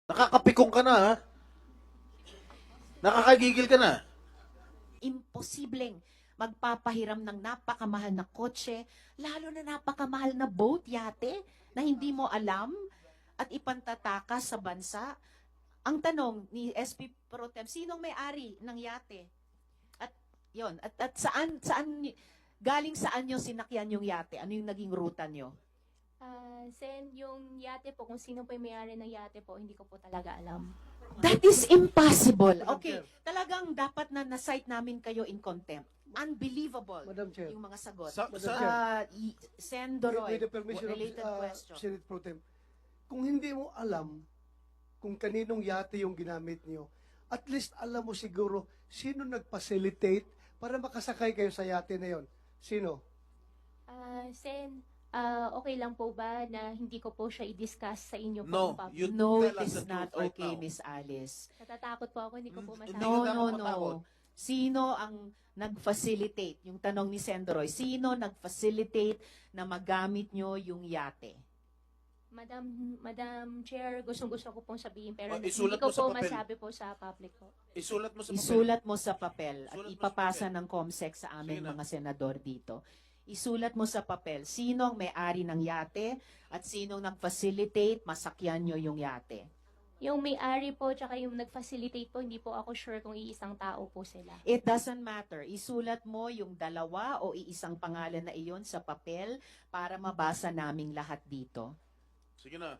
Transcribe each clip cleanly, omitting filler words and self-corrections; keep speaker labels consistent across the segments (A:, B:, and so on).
A: Nakakapikong ka na, ha? Nakakagigil ka na.
B: Imposibleng magpapahiram ng napakamahal na kotse, lalo na napakamahal na boat, yate, na hindi mo alam at ipantatakas sa bansa. Ang tanong ni SP Pro Tem, sinong may-ari ng yate? At yon, at galing saan nyo sinakyan yung yate? Ano yung naging ruta nyo?
C: Sen, yung yate po, kung sino po yung may-ari ng yate po, hindi ko po talaga alam.
B: That is impossible. Okay, talagang dapat na na-cite namin kayo in contempt. Unbelievable
D: Madam Chair.
B: yung mga sagot.
D: Madam Chair.
B: Sen Doroy,
D: With the permission
B: related
D: of
B: question.
D: Senate Pro Tem, kung hindi mo alam kung kaninong yate yung ginamit niyo, at least alam mo siguro sino nag-facilitate para makasakay kayo sa yate na yon. Sino?
C: Sen, okay lang po ba na hindi ko po siya i-discuss sa inyo po?
A: No,
C: in public?
A: you
B: No,
A: tell
B: it
A: us
B: is
A: the
B: not
A: truth right
B: okay,
A: now.
B: Miss Alice.
C: Natatakot po ako, hindi ko po
A: Hindi
C: masabi.
A: ka
B: No,
A: dapat
B: no,
A: matakot.
B: no. Sino ang nag-facilitate? Yung tanong ni Sendoroy, sino nag-facilitate na magamit nyo yung yate?
C: Madam Chair, gustong-gusto ko pong sabihin, pero hindi
A: isulat
C: ko
A: mo sa
C: po
A: papel.
C: masabi po sa public po.
A: Isulat mo sa papel.
B: Isulat mo sa papel at
A: Isulat mo sa
B: ipapasa
A: papel.
B: ng COMSEC sa aming
A: Sige na.
B: mga senador dito. Isulat mo sa papel sino ang may-ari ng yate at sino nag-facilitate masakyan nyo yung yate.
C: Yung may-ari po, tsaka yung nag-facilitate po, hindi po ako sure kung iisang tao po sila.
B: It doesn't matter. Isulat mo yung dalawa o iisang pangalan na iyon sa papel para mabasa naming lahat dito.
A: Sige na.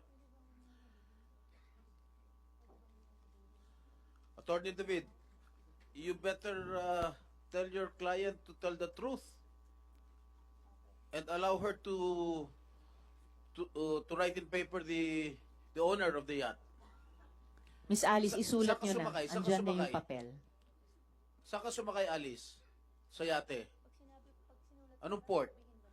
A: Attorney David, you better tell your client to tell the truth and allow her to write in paper the owner of the yacht.
B: Miss Alice, isulat
A: Saan ka
B: nyo na.
A: sumakay? Saan ka
B: Andyan na yung
A: sumakay?
B: papel.
A: Saan ka sumakay, Alice? Sa yate? Anong port?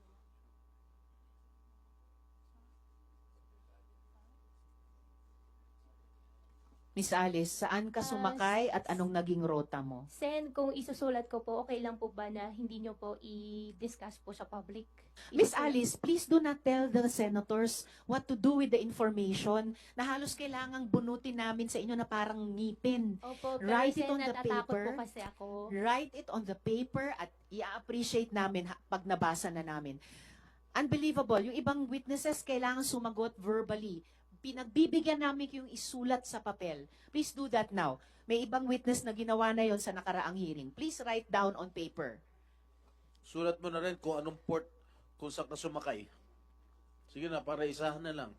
B: Miss Alice, saan ka sumakay at anong naging rota mo?
C: Sen, kung isusulat ko po, okay lang po ba na hindi nyo po i-discuss po sa public?
B: Miss
C: Isusulat-
B: Alice, please do not tell the senators what to do with the information na halos kailangang bunutin namin sa inyo na parang ngipin.
C: Opo, pero
B: Write it
C: Sen,
B: on the
C: natatakot
B: paper.
C: po kasi ako.
B: Write it on the paper at i-appreciate namin pag nabasa na namin. Unbelievable. Yung ibang witnesses kailangan sumagot verbally. Pinagbibigyan namin yung isulat sa papel. Please do that now. May ibang witness na ginawa na yon sa nakaraang hearing. Please write down on paper.
A: Sulat mo na rin kung anong port, kung saan ka sumakay. Sige na, para isahan na lang.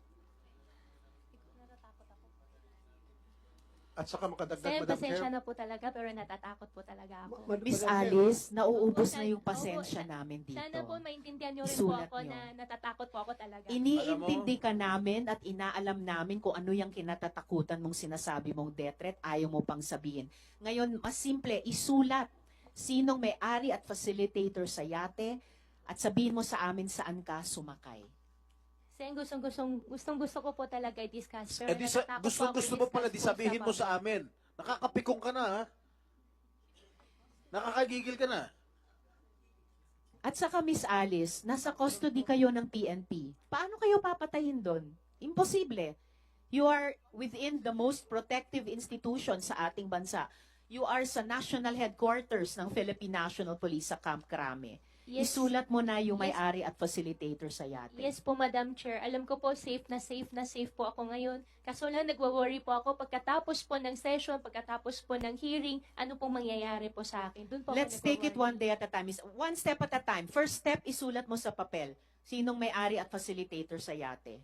D: At saka makadagdag,
C: Sen,
D: Madam
C: pasensya
D: Chair.
C: na po talaga, pero natatakot po talaga ako.
B: Miss
D: Madam Chair.
B: Alice, nauubos
C: Opo,
B: na yung
C: opo,
B: pasensya namin dito.
C: Sana po maintindihan nyo rin
B: Isulat
C: po ako
B: nyo.
C: na natatakot po ako talaga.
B: Iniintindi ka namin at inaalam namin kung ano yung kinatatakutan mong sinasabi mong death threat, ayaw mo pang sabihin. Ngayon, mas simple, isulat sinong may-ari at facilitator sa yate at sabihin mo sa amin saan ka sumakay.
C: Sen, gustong-gusto ko po talaga i-discuss. Pero
A: Eh di
C: natatakot po ako
A: gusto mo pala, di
C: i-discuss po
A: sabihin mo
C: public.
A: sa amin. Nakakapikong ka na, ha? Nakakagigil ka na.
B: At saka Miss Alice, nasa custody kayo ng PNP. Paano kayo papatayin doon? Imposible. You are within the most protective institution sa ating bansa. You are sa national headquarters ng Philippine National Police sa Camp Crame.
C: Yes.
B: Isulat mo na yung
C: Yes.
B: may-ari at facilitator sa yate.
C: Yes po, Madam Chair. Alam ko po, safe na safe po ako ngayon. Kaso lang, nagwa-worry po ako pagkatapos po ng session, pagkatapos po ng hearing, ano pong mangyayari po sa akin. Doon po ako
B: Let's take it one
C: nagwa-worry.
B: day at a time. One step at a time. First step, isulat mo sa papel. Sinong may-ari at facilitator sa yate?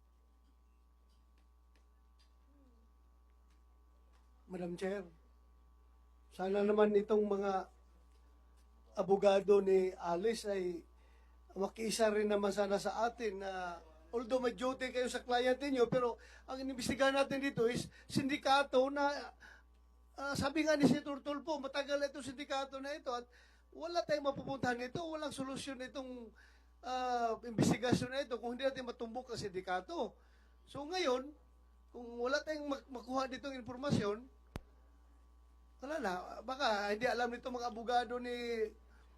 D: Madam Chair, sana naman itong mga abogado ni Alice ay makiisa rin naman sana sa atin na although may duty kayo sa client niyo, pero ang inimbestigahan natin dito is sindikato na sabi nga ni Senator Tulfo, matagal na itong sindikato na ito at wala tayong mapupuntahan nito, walang solusyon itong investigasyon na ito kung hindi natin matumbok ang sindikato. So ngayon, kung wala tayong makuha ditong informasyon, wala na. Baka hindi alam nito mga abogado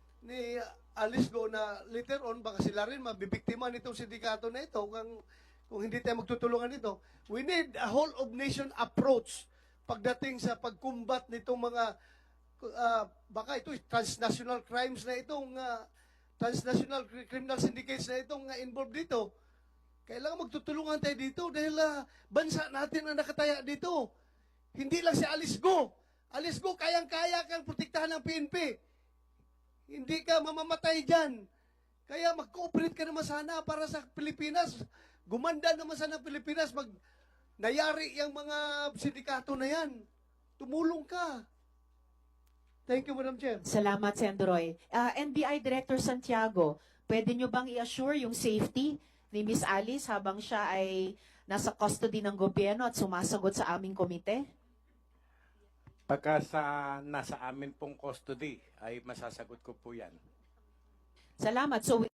D: ni Alice Go na later on, baka sila rin mabibiktima nitong sindikato na ito kung kung hindi tayo magtutulungan dito. We need a whole of nation approach pagdating sa pagkumbat nitong mga baka ito transnational crimes na itong transnational criminal syndicates na itong involved dito. Kailangan magtutulungan tayo dito dahil bansa natin ang nakataya dito. Hindi lang si Alice Go. Alice Go, kayang-kaya kang protektahan ng PNP. Hindi ka mamamatay dyan. Kaya mag-cooperate ka naman sana para sa Pilipinas. Gumanda naman sana ang Pilipinas. Nayari yung mga sindikato na yan. Tumulong ka. Thank you, Madam Chair.
B: Salamat, Sendroy. NBI Director Santiago, pwede nyo bang i-assure yung safety ni Miss Alice habang siya ay nasa custody ng gobyerno at sumasagot sa aming komite?
E: Pagka nasa amin pong custody, ay masasagot ko po yan.
B: Salamat. So,